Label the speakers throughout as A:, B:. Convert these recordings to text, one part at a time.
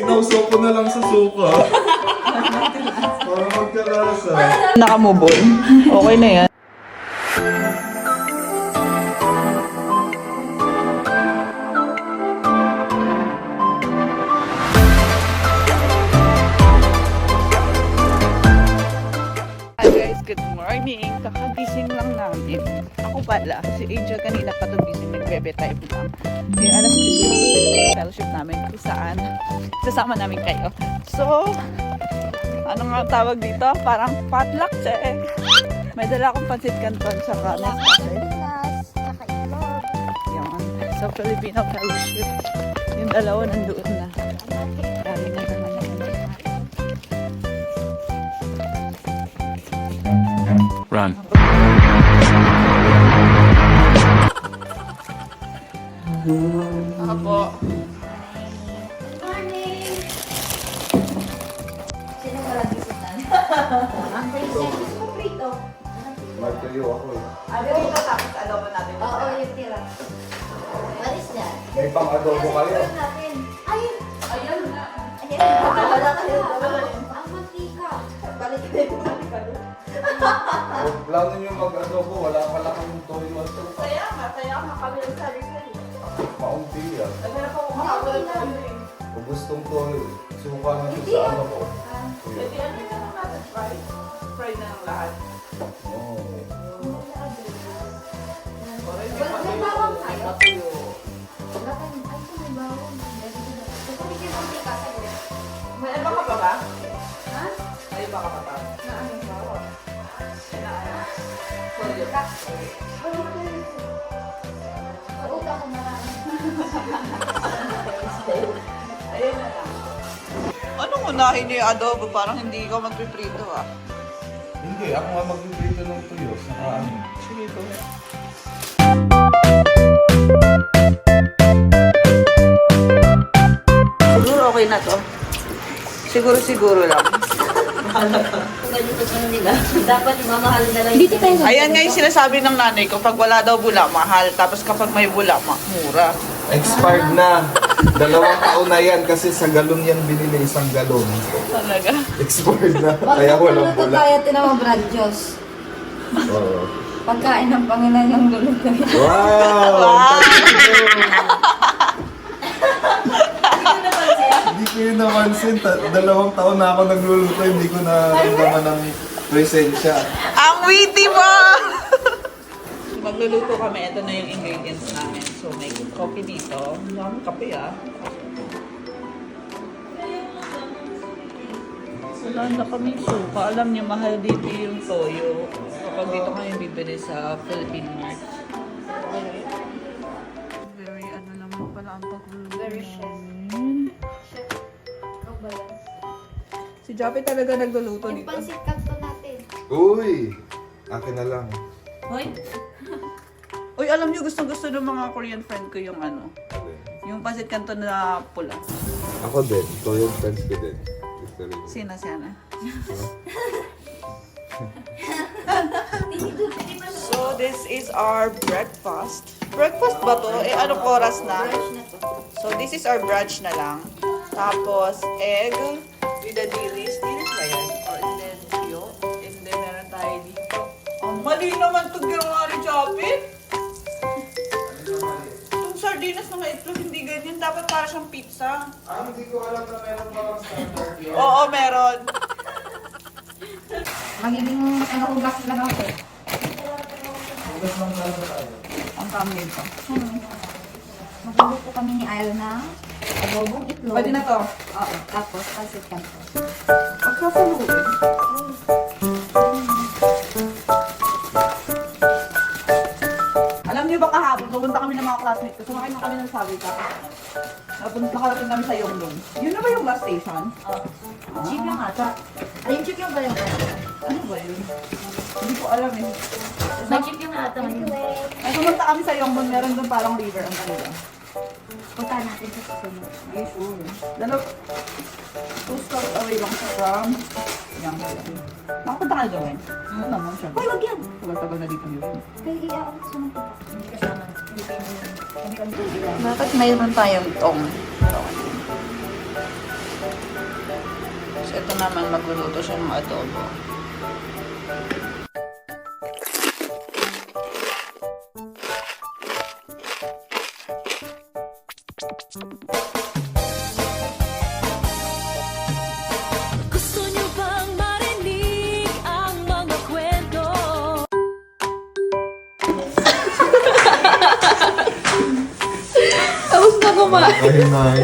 A: Sinausaw ko na lang sa suka. Para magkalasa.
B: Nakamove on. Okay na yan. Hi guys, good morning. Kakagising lang namin. Ako pala, si Angel kanina pa ito gising, nag-bebe time lang. Kaya alas 10 yung fellowship namin kung saan sasama namin kayo. So, ano nga ang tawag dito? Parang potluck eh. May dala akong pansit canton sa Nescafe. Yan. Sa Filipino fellowship. Yung dalawa nandoon na. Dami na naman naman.
C: Run.
B: Ako.
D: Morning! Sino wala bisitan? Ang princess ko prito.
A: Magtayo ako eh.
B: Ano yung katapos adobo natin?
D: Oo, yung tira. What is that?
A: May pang-adobo kayo.
D: Ayun natin. Ayun!
B: Ayun.
D: Ayun! Wala kayo. Ang mantika. Balik kayo.
A: Plano nyo mag-adobo, wala pala kang toyo at suka.
B: Kaya nga kami nagsabi sa'yo.
A: Maunti yan.
B: Naghanap ako makakawalan sa ano eh.
A: Kung gustong toyo, suka na ito sa ano ko. Tuyo.
B: Pwede ano yung lang natin fry? Fry na ng lahat.
A: Oo.
D: May bawang tayo.
B: Matuyo.
D: Wala kayo. Ay, may bawang. Kasi may mantika sa iyo.
B: May iba ka pa ba?
D: Ha?
B: May iba ka pa ba?
D: Na ano? Bawang.
B: Na ano? Toyo.
D: Pauta ko marami.
B: Ayun na lang. Anong unahin niyo yung adobo? Parang hindi ka magpiprito ah.
A: Hindi, ako nga magpiprito ng tuyo. Saka ano.
B: Sige ko. Siguro okay na to. Siguro lang.
D: Ganito sa nila. Dapat mamahal na lang. Dito tayo.
B: Ayan nga yung sinasabi ng nanay ko, pag wala daw bula, mahal. Tapos kapag may bula, mura.
A: Expired na. 2 taon na yan kasi sa galon yan binili, isang galon.
B: Talaga.
A: Expired na. Kaya walang
D: Pagkakuluto
A: bula.
D: tayo, tinawag Brad Diyos.
A: Oo.
D: Pagkain ng Panginoon yung luluto.
A: Wow! Hindi ko yun napansin. 2 taon na ako nagluluto, hindi ko naramdaman ng presensya.
B: Ang witty mo! Magluluto kami. Ito na yung ingredients namin. So, may coffee dito. Ang daming kape ah. Wala na kami suka. Alam niyo, mahal dito yung toyo. Kapag dito kayo bibili sa Philippine Mart. Very ano naman pala ang pagluluto.
D: Very chef.
B: namin.
D: Ano ba yan?
B: Si Jappy talaga nagluluto
D: Yung
B: dito.
D: pansit kanto natin.
A: Uy! Akin na lang.
D: Hoy?
B: Uy, alam niyo, gustong-gusto ng mga Korean friend ko yung ano. Yung pancit canton na pula.
A: Ako din. Ito yung friends ko din. Gusto rin.
B: Sina. So, this is our breakfast. Breakfast ba to? Eh, anong oras na?
D: Brush na to.
B: So, this is our brunch na lang. Tapos, egg with the dilis. Dilis ba yan? Or and then, yolk. And then, meron tayo dito. Ang mali naman ito ginawa ni Jappy. Itong sardinas na maitlog, hindi ganyan. Dapat para siyang pizza.
A: Hindi ko alam na meron parang standard yun.
B: Oo, meron.
D: Magiging hugas lang ako.
A: Hugas lang talaga tayo.
B: Ang kami ito.
D: Magluluto kami ni Ayo na adobong itlog.
B: Pwede na to.
D: Oo. Tapos pansit kanto.
B: Pagkasaluin. Alam niyo ba kahapon, pupunta kami ng mga classmates ko, sumakay na kami ng Savica. Nakarating kami sa Yonglong. Yun na ba yung bus station?
D: Oo. Jeep lang ata. Ayun, jeep yung ba yung
B: Ano ba yun? Hindi ko alam eh.
D: May jeep yung ata.
B: Ay, pumunta kami sa Yonglong, meron doon parang river ang kanila.
D: Punta natin sa susunod.
B: Yes, sure. 2 stops away lang siya from Yonglong. Nakapunta ka na doon? Oo naman siya.
D: Hoy, wag yan!
B: Tagal-tagal na dito yun.
D: Kaya iyaw ako sa mga hindi kasama. Bakit mayroon tayong tong?
B: ito naman magluluto siya ng adobo.
C: Gusto niyo bang marinig ang mga kwento?
B: Tapos na kumain.
A: Ay, nay.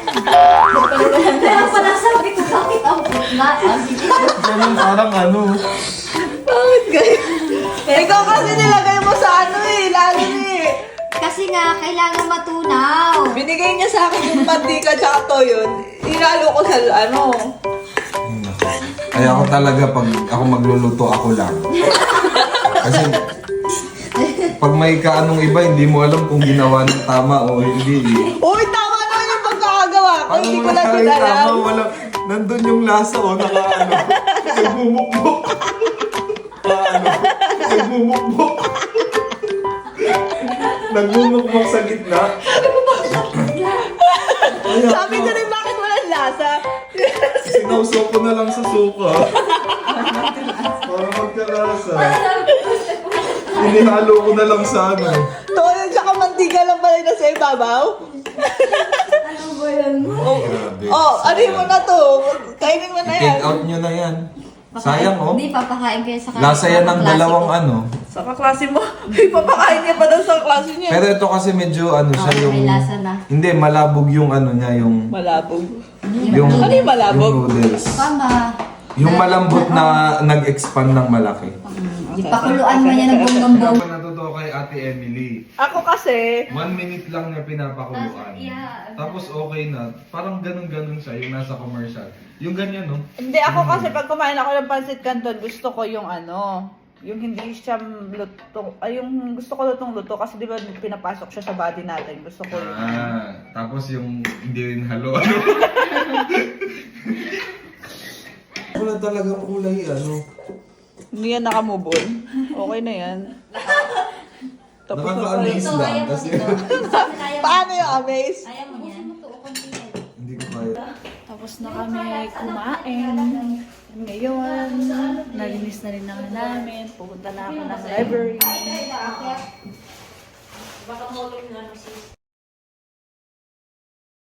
D: Kaya pala sabi ko, bakit ang putla?
A: Ganun, parang ano.
B: Bakit kayo? Ikaw kasi nilagay mo sa ano eh, lalo eh.
D: Kasi nga, kailangan matunaw.
B: Binigay niya sa akin yung mantika tsaka toyo. Inalo ko sa ano.
A: Kaya ako talaga, pag ako magluluto, ako lang. Kasi, pag may kaanong iba, hindi mo alam kung ginawa ng tama o hindi.
B: Uy, tama naman yung pagkakagawa ko. Hindi ko lang din alam.
A: Tama, wala. Nandun yung lasa o nakaano. Nagmumukbok. Nagmumukbok. Nagmumukbok sa gitna.
B: Sabi ko rin bakit walang lasa.
A: Sinawsaw ko na lang sa suka. Para magkalasa. Inihalo ko na lang sa ano.
B: Toyo tsaka mantika lang pala na sa ibabaw.
D: Ano ba yan?
A: Grabe.
B: Oh, ano mo na to? Kainin mo na yan.
A: Take out nyo na yan. Sayang oh.
D: Hindi, papakain kayo sa
A: Lasa yan ng dalawang ano.
B: Sa kaklase mo. Papakain niya pa daw sa klase niya.
A: Pero ito kasi medyo ano siya
D: Oh,
A: yung...
D: may lasa na.
A: Hindi, malabog yung ano niya, yung...
B: Malabog.
A: Yung,
B: Ano yung malabog?
A: Yung noodles.
D: Tama.
A: Yung malambot na nag-expand ng malaki.
D: Ipakuluan mo yan ng bonggambong.
A: Ako natuto kay Ate Emily.
B: Ako kasi,
A: 1 minute lang niya pinapakuluan.
D: Yeah.
A: Tapos okay na. Parang ganun-ganun siya, yung nasa commercial. Yung ganyan, no?
B: hindi ako kasi pag kumain ako ng pancit canton, gusto ko yung ano, yung hindi siya luto, ay yung gusto ko lutong luto kasi di ba pinapasok siya sa body natin. Gusto ko yung
A: Tapos yung hindi rin halo. Ano? Wala talagang kulay, ano?
B: hindi yan nakamove on. Okay na yan. Tapos na
A: Nakaka-amaze
D: Ito,
A: lang.
D: kaya mo
A: Kasi
D: ito. Kaya mo.
B: paano yung amaze?
D: Kaya mo yan.
A: hindi ko kaya.
B: Tapos na kami kumain. Ngayon, nalinis na rin naman namin. Pupunta na ako ng library.
D: Baka mo lang sis.